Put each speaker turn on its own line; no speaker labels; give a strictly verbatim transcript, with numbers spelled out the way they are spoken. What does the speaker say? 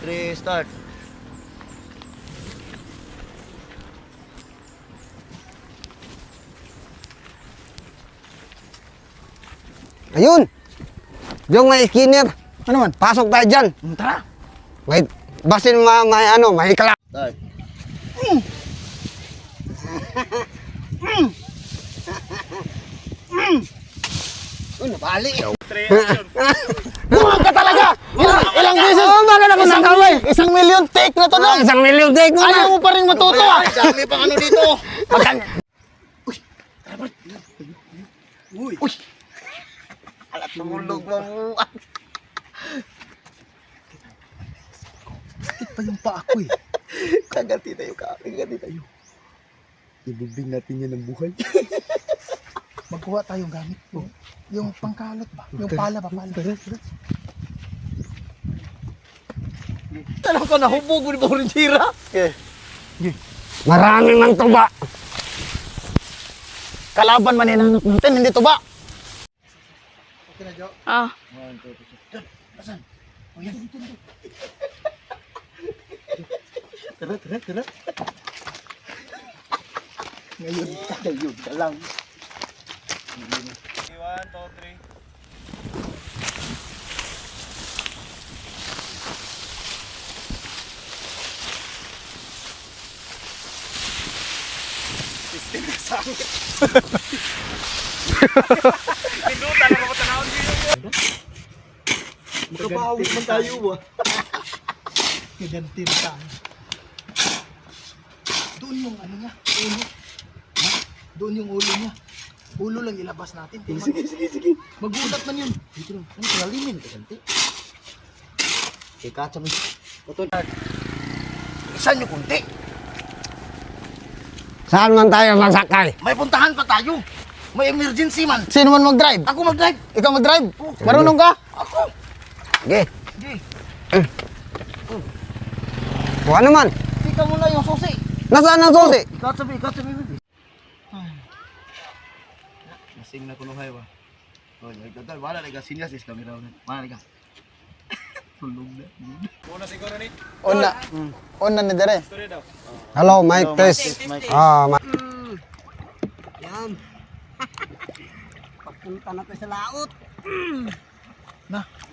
three, start.
Ayun! Yung may skinner.
Ano man?
Pasok tayo dyan.
Hmm, tara.
Wait. Basin ma, may ano, may kala.
Start.
Mm. Mm. Mm.
Uy, napali.
Buwag ka talaga! Ilang, ilang beses?
Oo, bakit ako
Isang,
nakaway?
isang million take na to
Ah,
na!
isang milyon take mo
Ayaw
na.
mo pa rin matuto ah!
Dami pang ano dito.
Magkano?
Uy.
Uy!
Alat tumulog mo.
Sakit pa yung paa ko eh.
Kaganti tayo ka. Kaganti tayo. Ibubing natin yan ng buhay.
Magkuha tayong gamit ko. Yung pangkalot ba? Yung pala ba? Pala.
Alam ko, nahubog mo ni Borinjira. Okay.
Maraming mang tuba.
Kalaban man yan natin, hindi to ba? Okay na, Jo.
Ah.
One, two, three.
Diyan, asan? O yan, dito, dito.
Tara, tara, tara.
Ngayon, ngayon ka lang.
One, two, three. Sistem na sangit. Pindutan na mga tanawin dito. Makapahawit man tayo ba?
Gaganti na tayo. Doon yung ano niya, ulo. Ha? Doon yung ulo niya. Ulo lang ilabas natin.
Sige, sige, sige.
Magulat man yun.
Dito lang. Ano kalalimin ka ganti? Ikacha mo. Putol.
Isan yung kunti.
Saan man tayo magsakay?
May puntahan pa tayo. May emergency man. Sino man mag-drive? Ako mag-drive. Ikaw mag-drive? Marunong ka? Ako.
Sige.
Sige.
Kuha naman.
Ikaw muna yung susi.
Nasaan ang susi?
Ikaw sabi, ikaw sabi.
Masing na kuno hay ba. Oh, nagdadal wala na sinyas is kami raw. Wala na. Tulog na. Muna siguro ni.
On na. On na ni Dere.
Story daw.
Hello, mic test. Ah, ma-
Yan. Papunta na tayo sa laot.
Na.